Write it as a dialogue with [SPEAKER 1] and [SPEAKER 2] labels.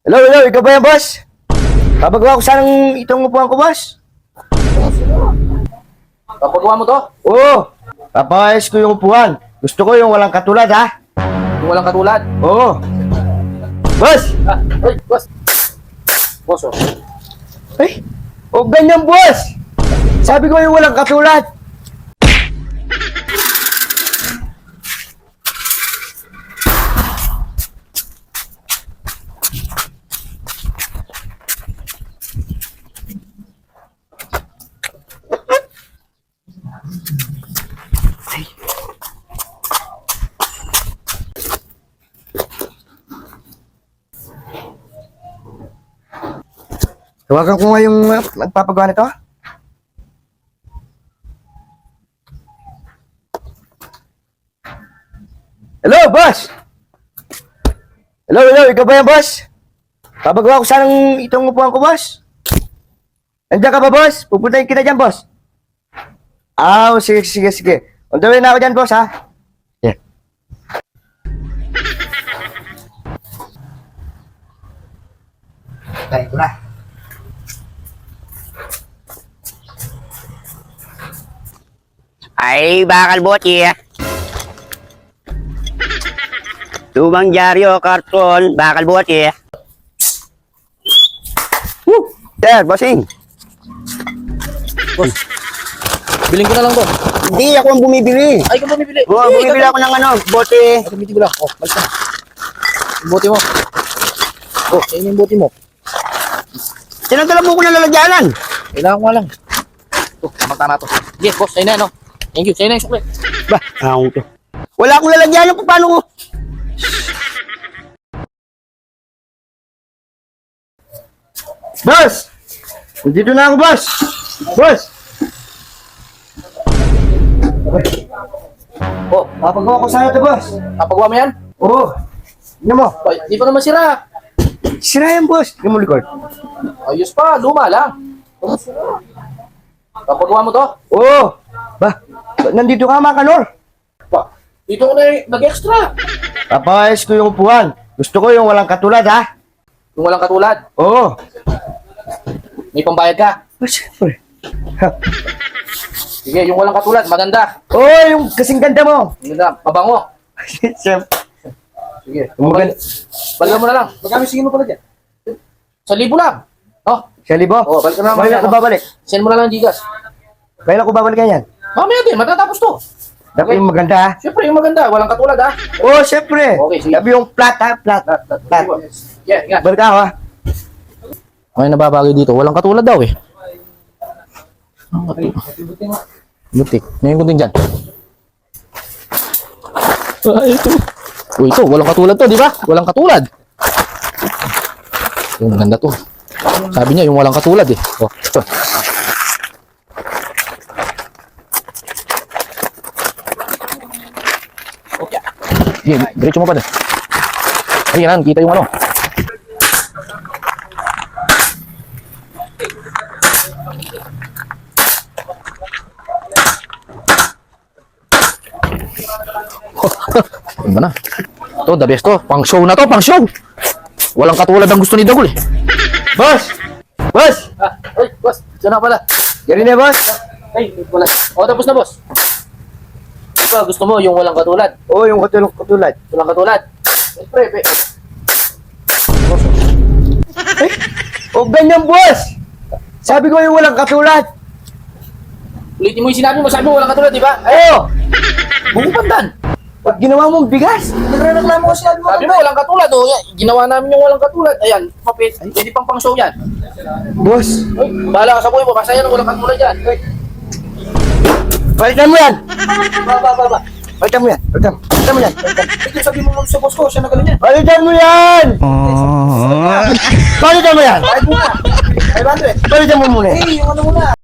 [SPEAKER 1] Hello, ikaw ba yan, boss? Papagawa ko sanang itong upuan ko, boss.
[SPEAKER 2] Papagawa mo to?
[SPEAKER 1] Oo, papayos ko yung upuan. Gusto ko yung walang katulad, ha?
[SPEAKER 2] Yung walang katulad?
[SPEAKER 1] Oo. Boss!
[SPEAKER 2] Ay, boss. Boss, oh.
[SPEAKER 1] Ay, ganyan, boss! Sabi ko yung walang katulad. Tawagan ko nga yung nagpapagawa nito. Hello, boss! Hello, ikaw ba yan, boss? Papagawa ko sanang itong upuan ko, boss. Nandiyan ka ba, boss? Pupuntahin kita dyan, boss. Sige. On the way na ako dyan, boss, ha? Yeah. Tayo ko na.
[SPEAKER 3] Ay, bakal bote. Lumang dyaryo, karton, bakal bote. Sir, bossing.
[SPEAKER 2] Boss. Biling ko na lang to.
[SPEAKER 3] Hindi, ako ang bumibili.
[SPEAKER 2] Ay, kung bumibili.
[SPEAKER 3] Oo, bumibili ako ng bote.
[SPEAKER 2] Ay, gamitin ko lang. Oh, balik na. Yung bote mo. Oh, ayun yung bote mo.
[SPEAKER 3] Sinagdala mo ko na lalagyanan.
[SPEAKER 2] Kailangan ko nga lang. Ito, tamang na to. Sige, boss, ayun na, no? Thank you. Sa'yo na yung sukle.
[SPEAKER 3] Ba, ako to. Wala akong lalagyanan, paano ko?
[SPEAKER 1] Boss! Dito na ako, boss! Boss!
[SPEAKER 2] Oh,
[SPEAKER 1] Papagawa ko sana ito, boss.
[SPEAKER 2] papagawa mo yan?
[SPEAKER 1] Oo. Tingnan mo.
[SPEAKER 2] Ay, di pa naman sira.
[SPEAKER 1] Sira yan, boss. Tingnan mo likod.
[SPEAKER 2] Ayos pa, luma lang. Papagawa mo to?
[SPEAKER 1] Oo. Ba, nandito ka, mga kanor.
[SPEAKER 2] Pa, dito ko na nag-extra.
[SPEAKER 1] Papayos ko yung upuan. Gusto ko yung walang katulad, ha?
[SPEAKER 2] Yung walang katulad.
[SPEAKER 1] Oo.
[SPEAKER 2] May pambayad ka.
[SPEAKER 1] Siyempre.
[SPEAKER 2] Sige, yung walang katulad, maganda.
[SPEAKER 1] Oo, yung kasing ganda mo.
[SPEAKER 2] Maganda, mabango.
[SPEAKER 1] Siyempre.
[SPEAKER 2] Sige.
[SPEAKER 1] Yung maganda.
[SPEAKER 2] Balikan mo na lang. Magkano sige mo pala dyan? 1,000 lang. Oh,
[SPEAKER 1] Siya libo?
[SPEAKER 2] Oo, balik ka na naman
[SPEAKER 1] Kailan
[SPEAKER 2] yan,
[SPEAKER 1] ko
[SPEAKER 2] no?
[SPEAKER 1] babalik?
[SPEAKER 2] send mo na lang Gcash.
[SPEAKER 1] Kailan ko babalikan yan?
[SPEAKER 2] Mamaya din, matatapos to.
[SPEAKER 1] Dapat yung maganda, ha?
[SPEAKER 2] Siyempre, yung maganda, walang katulad ha.
[SPEAKER 1] Oo, siyempre.
[SPEAKER 2] Okay, sige.
[SPEAKER 1] Sabi yung flat, ha? Flat. Flat.
[SPEAKER 2] Yeah, yeah.
[SPEAKER 1] Balik ako, ha?
[SPEAKER 2] May nababagay dito, walang katulad daw eh. Butik. Ngayon ko din dyan. Ito. Uy, ito, walang katulad to, di ba? Walang katulad. Yung maganda to. Sabi niya, yung walang katulad eh. Oh, ito. Okay. Sige, diretso mo pa din. Ayan, kita yung ano. Ano ba na? Ito, the best to. Pang show na to, pang show. Walang katulad ang gusto ni Dagul eh.
[SPEAKER 1] Boss! Boss!
[SPEAKER 2] Ay, boss. Diyan na pala.
[SPEAKER 1] Yan na, boss.
[SPEAKER 2] Ay, wala. O, tapos na, boss. Ito, gusto mo yung walang katulad.
[SPEAKER 1] Oo, yung katulad.
[SPEAKER 2] Walang katulad. Siyempre,
[SPEAKER 1] Ganyan, boss! Sabi ko yung walang katulad.
[SPEAKER 2] ulitin mo yung sinabi mo. Sabi mo walang katulad, di ba?
[SPEAKER 1] Oo!
[SPEAKER 2] Buko pandan.
[SPEAKER 1] Pag ginawa mong bigas, nagreklamo ko sinabi mo.
[SPEAKER 2] Sabi mo walang katulad. O, yan, ginawa namin yung walang katulad. Ayan, papit. Pwede pang show yan.
[SPEAKER 1] Boss,
[SPEAKER 2] Ay, bahala ka sa buhay mo. Basta yan, walang katulad yan. Ay,
[SPEAKER 1] palitan mo yan!
[SPEAKER 2] ba.
[SPEAKER 1] Palitan mo yan! Palitan mo yan!
[SPEAKER 2] Ito, sabi mo sa boss ko, siya na ganun yan.
[SPEAKER 1] Palitan mo yan! Palitan mo yan!
[SPEAKER 2] Ay, muna. 500.
[SPEAKER 1] Palitan mo muna!
[SPEAKER 2] Eh, yung ano muna.